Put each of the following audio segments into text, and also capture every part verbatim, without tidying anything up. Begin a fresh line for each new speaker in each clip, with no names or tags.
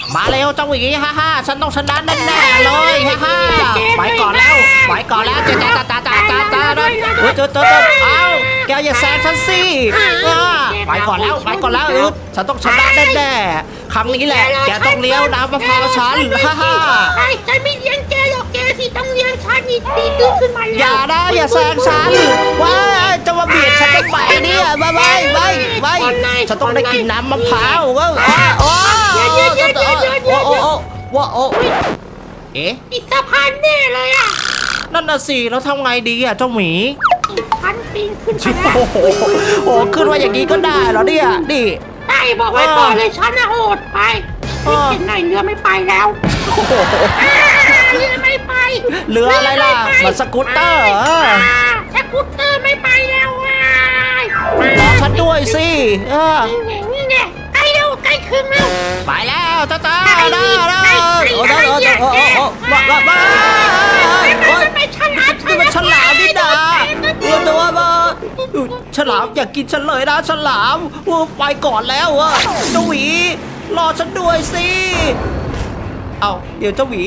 มาเร็วเจ้าหวีฮ่าฮ่าฉันต้องชนะแน่ๆเลยฮ่าฮ่าไปก่อนแล้วไปก่อนแล้วจ้าจ้าจ้าจ้าจ้าจ้าเฮ้ยเฮ้ยเฮ้ยเอ้าแกอย่าแซงฉันสิไปก่อนแล้วไปก่อนแล้วอึ๊บฉันต้องชนะแน่ๆครั้งนี้แหละแกต้องเลี้ยวน้ำมะพร้าวฉันฮ่าฮ่า
ไอ้ฉันไม่เลี้ยงแกหรอกแกสิต้องเลี้ยงฉันนี่ตีตื้นขึ้นมาแล้ว
อย่านะอย่าแซงฉันว้าจะมาเบียดฉันทำไมเนี่ยไม่ไม่ไม่ไม่ฉันต้องได้กินน้ำมะพร้าวก็โอ้โอ้โอ้โอ้ว้าโอ้เอ๊ะ
ติดสะพานแน่เลยอ่ะ
นั่นน่ะสิแล้วทำไงดีอ่ะเจ้าหมี
ฉันปีนขึ้นไปแล้ว
โอ้โหโอ้ขึ้นว่าอย่างนี้ก็ได้เหรอเนี่ยดิ
ได้บอกไว้ก่อนเลยฉันน่ะโหดไปไม่เห็นไหนเรือไม่ไปแล้วเรือไม่ไป
เรืออะไรล่ะมันสกูตเตอร์
สกูตเตอร์ไม่ไปแล้ว
รอฉันด้วยสิเออ
นี่ไงใกล้แล้วใกล้ครึ่งแล้ว
ไปแล้วจ้าจ้าได้ได้โอ้โหโอ้โหโอ้โหว้าว้าว้าโอ้ยนี่มันฉลามนี่นาตัวตัวมาฉลามอยากกินฉันเลยนะฉลามไปก่อนแล้วอะเจ้าหวีรอฉันด้วยสิเอาเดี๋ยวเจ้าหวี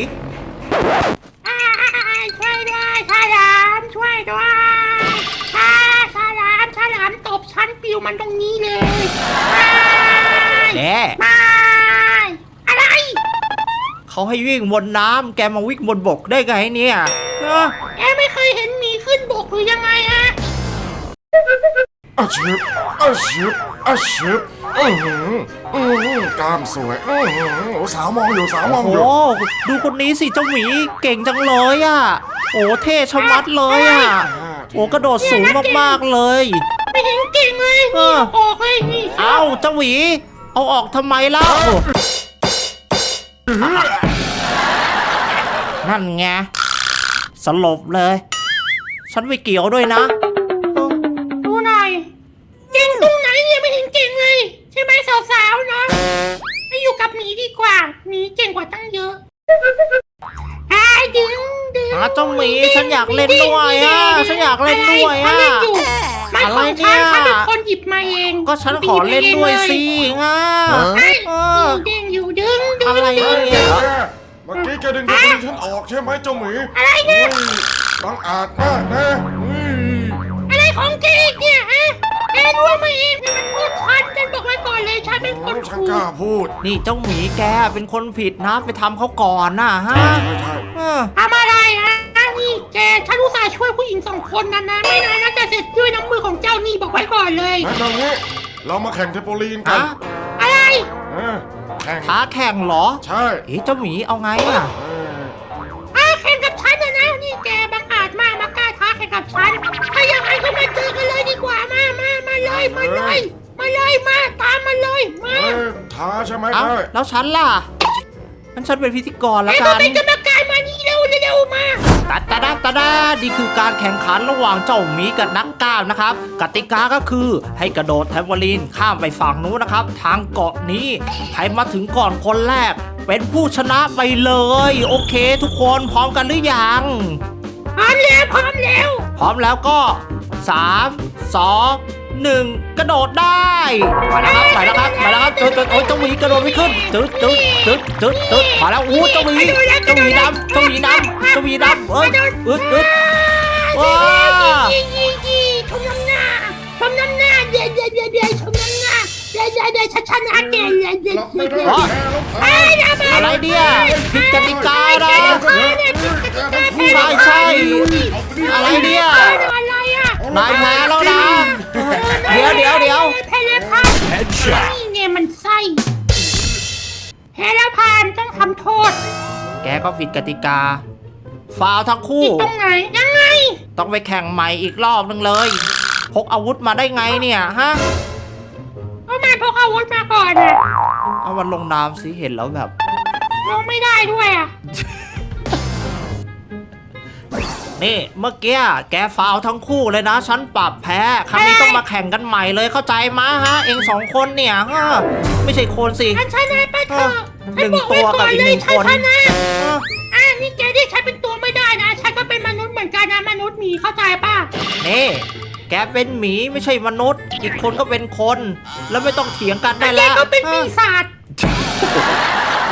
ช่วยด้วยฉลามช่วยด้วยฉลามฉลามตบฉันปิวมันตรงนี้เลย
แน่
ไม่อะไร
เขาให้วิ่งบนน้ำแกมาวิ่งบนบกได้ไงเนี่ย
แกไม่เคยเห็นหมีขึ้นบกหรือยังไงฮะ
อาชิบอาชิบอาชิบอือหืออือหือกล้ามสวยอือหือโอ้สาวมองอยู่สาวมองอยู่
โอ้ดูคนนี้สิเจ้าหมีเก่งจังเลยอ่ะโอ้เท่ชะมัดเลยอ่ะโอ้กระโดดสูงมากๆเลย
ไม่เห็นเก่งเลยนี่ออกเลยนี่
เอ้าเจ้าหวีเอาออกทำไมเล่านั่นไงสลบเลยฉันไม่เกี่ยวด้วยนะ
ดูหน่อยเก่งตรงไหนเนี่ยไม่เห็นเก่งเลยใช่ไหมสาวๆเนาะไม่อยู่กับหมีดีกว่าหมีเก่งกว่าตั้งเยอะไอ้ดึงดึง
เจ้าหมีฉันอยากเล่นด้วยอ่ะฉันอยากเล่นด้วยอ่ะ
อะไรเนี่ยฉันเป็นคนหยิบมาเอง
ก็ฉันขอเล่นด้วยสิง่า
เด้งอยู่ดึงดึง
อะไรเนี่ย
เมื่อกี้แกดึงตัวฉันออกใช่ไหมเจ้าหมี
อะไรเนี่ย
บังอาจมากนะ
อะไรของแกเนี่ยฮะแกรู้มาเองมันพูดชัดฉันบอกไว้ก่อนเลยฉันเป็นคน
ฉันกล้าพูด
นี่เจ้าหมีแกเป็นคนผิดนะไปทำเขาก่อนนะฮะ
ทำอะไรฮะนี่แกฉันอุตส่าห์ช่วยผู้หญิงสองคนนั้นนะไม่นานน่าจะเสร็จด้วยน้ำมือของเจ้านี่บอกไว้ก่อนเลย
งั้นตรงนี้เรามาแข่งเทปโปลีนกัน
อะไร
แข่ง
ท้าแข่งเหรอ
ใช่
เอ๊ะเจ้าหมีเอาไงอ่ะ
อ่ะแข่งกับฉันนะนะนี่แกบังอาจมากมากล้าท้าแข่งกับฉันถ้าอย่างไรก็มาเจอกันเลยดีกว่ามามามาเลยมาเลยมาเลยมาตามมาเลยมา
ท้าใช่ไหม
เอ้าแล้วฉันล่ะงั้นฉันเป็นพิธีกรแล้วกัน
เป็นกรรมการมานี่เร็วเร็วมา
ตาตาดาตาดานี่คือการแข่งขันระหว่างเจ้าหมีกับนักกล้ามนะครับกติกาก็คือให้กระโดดแทมโบลีนข้ามไปฝั่งนู้นนะครับทางเกาะนี้ใครมาถึงก่อนคนแรกเป็นผู้ชนะไปเลยโอเคทุกคนพร้อมกันหรือยัง
พร้อมแล้วพร้อมแล้ว
พร้อมแล้วก็สามสองหนึ่งกระโดดได้มาแล้วครับมาแล้วครับมาแล้วครับจุดจุดโอ้ยเจ้าหมีกระโดดไม่ขึ้นจุดจุดจุดจุดจุดมาแล้วอู้เจ้าหมีเจ้าหมีน้ำเจ้าหมีน้ำเจ้าหมีน้ำเอ้ยอึดอึดว้า
ชมน้ำหน้าชมน้ำหน้าเดี๋ยวเดี๋ยวเดี๋ยวเดี๋ยวชมน้ำหน้าเดี๋ยวเดี๋ยวเดี๋ยวชัดชัดนะเก่งเดี๋ยวเดี๋ยวเดี๋ยว
อะไรเนี่ยผิดกติกานะใช่ใช่อะไรเนี่ยนายแพ้แล้วนะเดี๋ยวเดี๋ยวเดี๋ยว
แพ้แล้วพานนี่เนี่ยมันไส้แพ้แล้วพานต้องทำโทษ
แกก็ผิดกติกาฟาวทั้งคู่
ตรงไหนยังไง
ต้องไปแข่งใหม่อีกรอบนึงเลยพกอาวุธมาได้ไงเนี่ยฮะ
ก็มาพกอาวุธมาก่อนอ่ะ
เอามันลงน้ำสิเห็นแล้วแบบ
ลงไม่ได้ด้วยอ่ะ
นี่เมื่อกี้แกฟาวทั้งคู่เลยนะฉันปรับแพ้ครั้งนี้ต้องมาแข่งกันใหม่เลยเข้าใจมั้ยฮะเองสองคนเนี่ยไม่ใช่คนสิ
ฉันชนะไปเถอะ
หนึ่งตัวกับอีกหนึ่งคน
อ่ะนี่แกที่ฉันเป็นตัวไม่ได้นะฉันก็เป็นมนุษย์เหมือนกันนะมนุษย์หมีเข้าใจป่ะ
นี่แกเป็นหมีไม่ใช่มนุษย์อีกคนก็เป็นคนแล้วไม่ต้องเถียงกันได้แล้ว
แกก็เป็นปีศาจ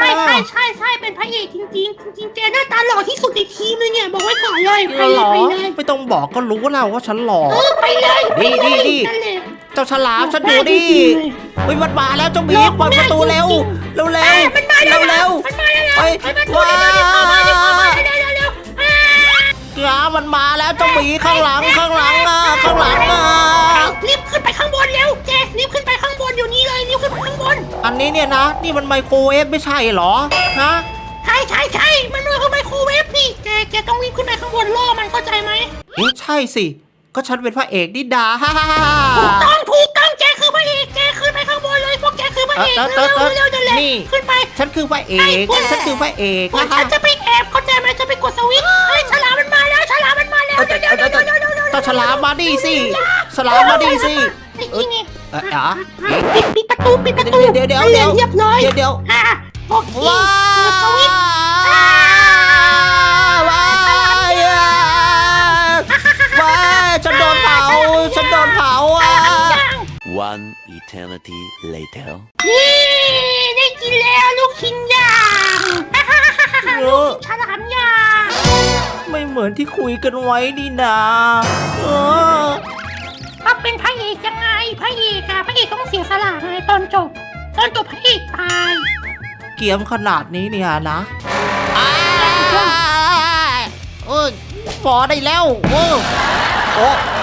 ช่ใช่ใช่ใช่เป็นพระเอกจริงๆจริงๆแกหน้าตาหล่อที่สุดในทีมเลยเนี่ยบอกไว้ก่อนเลยไป
ห
เล
ร
ย
อ
ไปเลย
ไม่ต้องบอกก็รู้แล้วว่าฉันหล่อ
เออไปเลยไป
นี่
เลย
นี่
นั่นแหละ
เจ้าฉลามฉันดูดิ เฮ้ยมันมาแล้วเจ้าหมี
หลอก
เปิดประตู
ไม่ได้
เร็ว
จริง
เร็ว
ๆ
เร็ว
มันมาแล้ว
เร็ว
มันมาแล้ว
ไป
ไปประตูเร็วเร็วเข้ามาเร็วเข้ามาเร็วเร็วเร็วอ่า
ๆจ้ามันมาแล้วเจ้าหมีข้างหลังข้างหลังอ่ะข้างหลังอ่ะ
รีบขึ้นไปข้างบนเร็วแกรีบขึ้นไปข้างบนอยู่นี่เลยรีบขึ้นไปข้างบน
อันนี้เนี่ยนะ นี่มันไมโครเวฟไม่ใช่เหรอฮะ
ใช่ใช่ใช่มันเลยเข้าไมโครเวฟนี่แกแกต้องรีบขึ้นไปข้างบนล่อมันเข้าใจไหม
เอ๊ะใช่สิก็ฉันเป็นพระเอกนิดาฮ่าฮ่าฮ่า
ถูกต้องถูกต้องแกคือพระเอกแกขึ้นไปข้างบนเลยพวกแกคือพระเอก
เอ
เร็
อ
ว
เออเออ
เร็วเร็วนั่นแหละ
นี่
ขึ้นไป
ฉันคือพระเอก ฉันคือพระเอก
พวก
ฮ่า
ฉันจะไปแอบเข้าใจไหมจะไปกดสวิตช์เฮ้ยฉลามมันมาแล้วฉลามมันมาแล้วเร็วเร็วเร็วเร็วเร็วเร็วเร็ว
เจ้าฉลามมาดิสิฉลามมาดิสิ
ไอ้นี่ไง
เอ๊ะอ๋อ
ปิดปิดประตูปิดประตู
เดี๋ยวเดี๋ยว
ให้
เดี๋ยว
เรียบร้อย
เดี๋ยวเดี๋ยว
อ่ะโอเค
ว้า
เปิดสวิตช์
ว้ายว้ายฉันโดนเผาฉันโดนเผาอ่ะ
One eternity later.
นี่ได้กินแล้วลูกชิ้นย่างลูกชิ้นฉลามย่าง
ไม่เหมือนที่คุยกันไว้นี่นาเออ
ก็เป็นพระเอกยังไงพระเอกอะพระเอกต้องเสียสละไงตอนจบตอนจบพระเอกตาย
เกียมขนาดนี้เนี่ยนะอ้ายเออพอได้แล้วโอ้โอ้